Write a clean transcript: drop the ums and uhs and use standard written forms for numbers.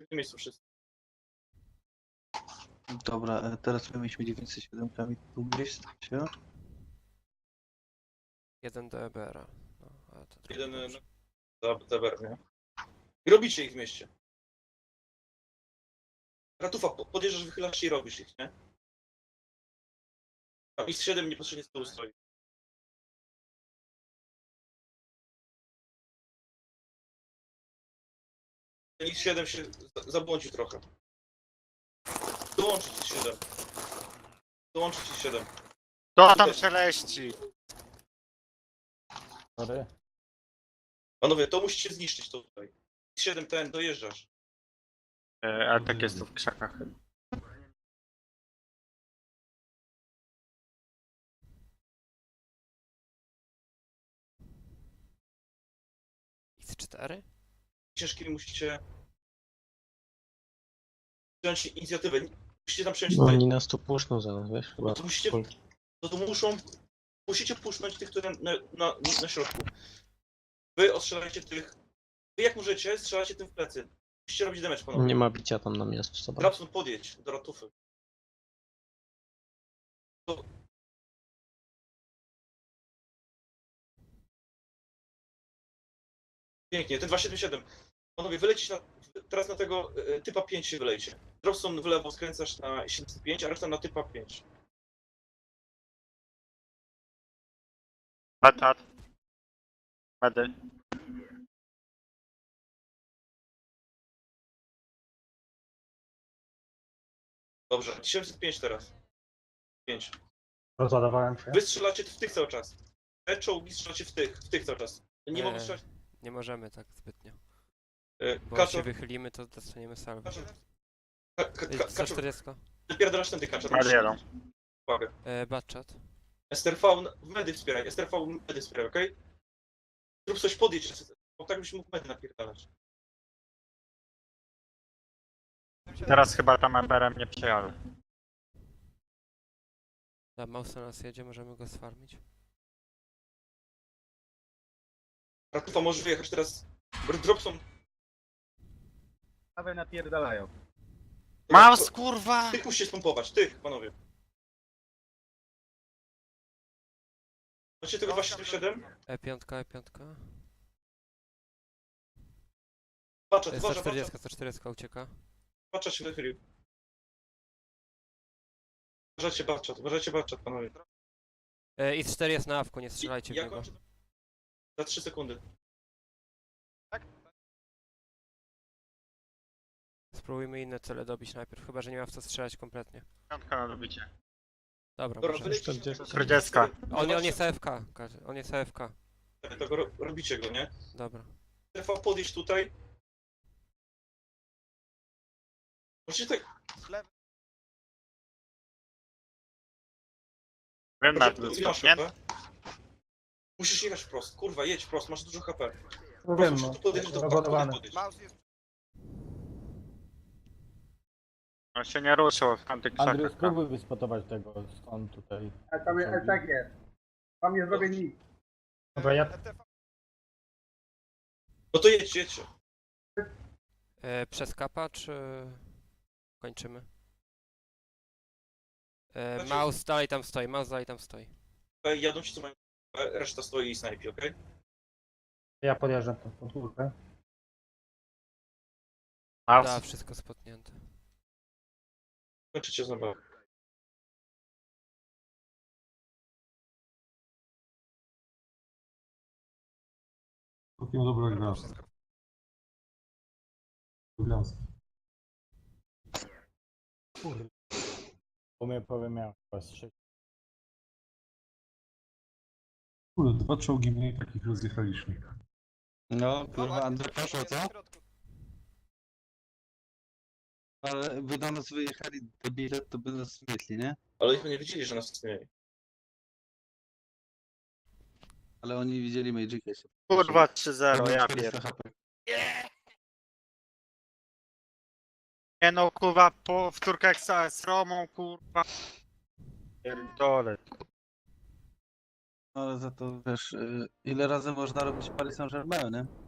w tym miejscu wszyscy. Dobra, teraz my mieliśmy 907 kami tu gdzieś stać, Jeden do EBR-a. No, ale to trochę Jeden dobrze. zaber, nie? I robicie ich w mieście. Ratufa, podjeżdżasz, wychylasz się i robisz ich, nie? A X7 niepotrzebnie z tyłu stoi. X7 się zabłądził trochę. Dołączyć X7. Dołączyć X7. To tam szeleści! Sorry. Panowie, to musicie zniszczyć to tutaj. X7 ten, dojeżdżasz. Ale tak jest to w krzakach. X4? Ciężkimi musicie wziąć inicjatywę. Musicie tam przejąć No tutaj. oni nas tu puszczą zaraz, wiesz? Chyba. To musicie, to musicie puszczać tych, które na środku. Wy ostrzelajcie tych. Wy jak możecie, strzelacie tym w plecy. Musicie robić damage, panowie. Nie ma bicia tam na miasto, co Grabson, podjedź do ratufy. Pięknie, ten 277. Panowie, wylecisz teraz na tego typa 5 się wylejcie. Dropson w lewo skręcasz na 705, a reszta na typa 5. Batat. Medy. Dobrze, 705 teraz. 5. Rozładowałem się. Wy strzelacie w tych cały czas. Te czołgi strzelacie w tych cały czas. Nie mogą strzelać. Nie możemy tak zbytnio. Bo jak się Kaczor, wychylimy, to dostaniemy salwę. Kaczor. Za Kaczor, 40. wypierdalasz ten kaczor. Marielą. Uwaga. Batchat. STRV w medy wspieraj, STRV w medy wspieraj, okej? Zrób coś, podjedź, bo tak byś mógł medy napierdalać. Teraz chyba tam EBR-em nie przyjadę. Mouse na nas jedzie, możemy go sfarmić. Ratufa, możesz wyjechać teraz. Dropson. Prawie napierdalają. Mouse, kurwa! Tych musicie spompować, tych, panowie. Macie tego 277? E5, E5. Patrzę, Za uważaj, 40, 140 ucieka. patrzę się wychylił. Uważajcie Batchat, panowie. X4 jest na awku, nie strzelajcie w Ja niego. kończę za 3 sekundy. Spróbujmy inne cele dobić najpierw, chyba że nie ma w co strzelać kompletnie. Piątka na dobicie. Dobra, Dobra, możemy. wylecicie. 40. On jest AFK, on jest AFK. To robicie go, nie? Dobra. TV podejść tutaj. Możecie tak. Wiem na Ile masz nie? HP? Musisz jechać wprost, kurwa, jedź wprost, masz dużo HP. Wiem, Musisz tu podejść do rozładowany. podejść. On się nie ruszył w tamtych Andrew, krzakach. spróbuj wyspotować tego skąd tutaj. A tam jest, tak jest. Tam nie zrobię nic. Dobra, ja No to jedźcie. Przez kapa, czy kończymy? Znaczy- Mouse dalej tam stoi, mouse dalej tam stoi. Jadą ci co mają. Reszta stoi i snajpi, okej? podjeżdżam tą podwórkę. Da, Mouse. wszystko spotnięte. Kończycie znowu. Całkiem dobra gra. Lubianski. Kurde. Powiem miał chyba z 6. Kurde, 2 czołgi mniej takich rozjechaliśmy. No, kurwa, Andrzej poszło, co? Ale by do nas wyjechali debile, to by nas zmietli, nie? Ale ich nie wiedzieli, że nas istnieje. Ale oni widzieli Magica się. Kurwa 3-0, ja 400 pierdolę. HP. Nie no, kurwa, w Turkeksa z Romą, kurwa. Pierdolę. Ale za to, wiesz, ile razy można robić Paris Saint-Germain, nie?